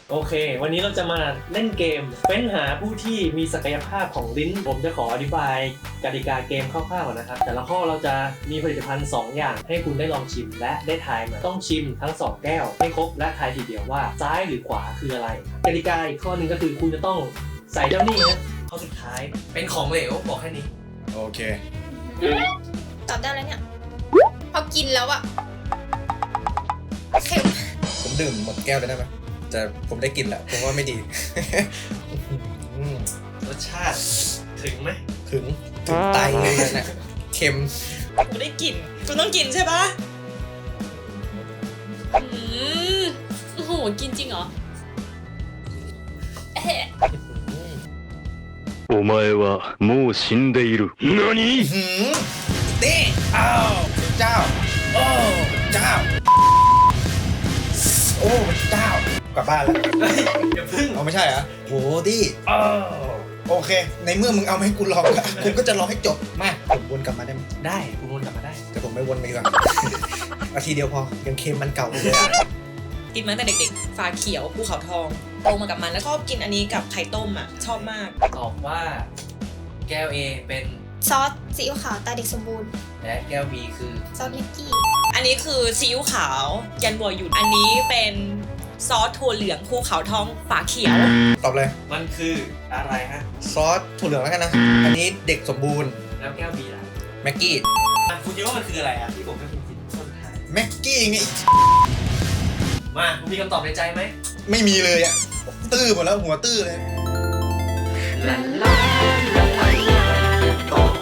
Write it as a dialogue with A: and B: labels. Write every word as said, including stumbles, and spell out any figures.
A: โอเควันนี้เราจะมาเล่นเกมเฟ้นหาผู้ที่มีศักยภาพของลิ้นผมจะขออธิบายกติกาเกมคร่าวๆนะครับแต่ละข้อเราจะมีผลิตภัณฑ์สองอย่างให้คุณได้ลองชิมและได้ทายมาต้องชิมทั้งสองแก้วให้ครบและทายทีเดียวว่าซ้ายหรือขวาคืออะไรกติกาอีกข้อหนึ่งก็คือคุณจะต้องใส่เจ้านี่นะข้อสุดท้ายเป็นของเหลวบอกแค่นี้
B: โอเค
C: ตอบได้แล้วเนี่ยพอกินแล้วอะเค็ม
B: ผมดื่มหมดแก้วเลยได้ไหมแต่ผมได้กลิ่นแหละผมว่าไม่ดี อืม
A: รสชาติถึงไหม
B: ถึงถึงไตเลยนะเค็ม
D: กูได้กลิ่นกูต้องกินใช่ปะอืมโอ้โหกินจริงเหรอเอ๊ะ
E: お前はもう死んでいる。何？
B: หืมเต้อ้าวเจ้าโอ้เจ้าโอ้เจ้ากลับบ้านแล้ว
A: อย่าพึ่ง
B: เอาไม่ใช่เหรอโหดิอ้าวโอเค ในเมื่อมึงเอามาให้กูลองแล้วกูก็จะรอให้จบมาผมวนกลับมาได้ไหม
A: ได้คุณวนกลับมาได้
B: แต่ผมไม่วนไปดีกว่า นาทีเดียวพอยังเค็มมันเก่าเลยอะ
D: กินมาตั้งแต่เด็กๆ ฝาเขียวภูเขาทองโตมากับมันแล้วชอบกินอันนี้กับไข่ต้มอ่ะชอบมาก
A: ตอบว่าแก้ว A เป็น
C: ซอสซีอิ๊วขาวตาเด็กสมบูรณ์
A: และแก้ว B คือ
C: ซอสเมกกี้
D: อันนี้คือซีอิ๊วขาวยันบัวหยุดอันนี้เป็นซอสถั่วเหลืองภูเขาทองฝาเขียว
B: ตอบเลย
A: มันคืออะไรฮะ
B: ซอสถั่วเหลืองแล้วกันนะ อันนี้เด็กสมบูรณ์
A: แล้วแก้ว B ล่ะ
B: แม็กกี้
A: อ่ะคุณคิดว่ามันคืออะไรอ่ะที่ผมให้คุณคิดต้นทาง
B: แม็กกี้ไง
A: มาคุณมีคำตอบในใจไหม
B: ไม่มีเลยอะตื้อหมดแล้วหัวตื้อเลย
A: ลาลาลาลาตอบ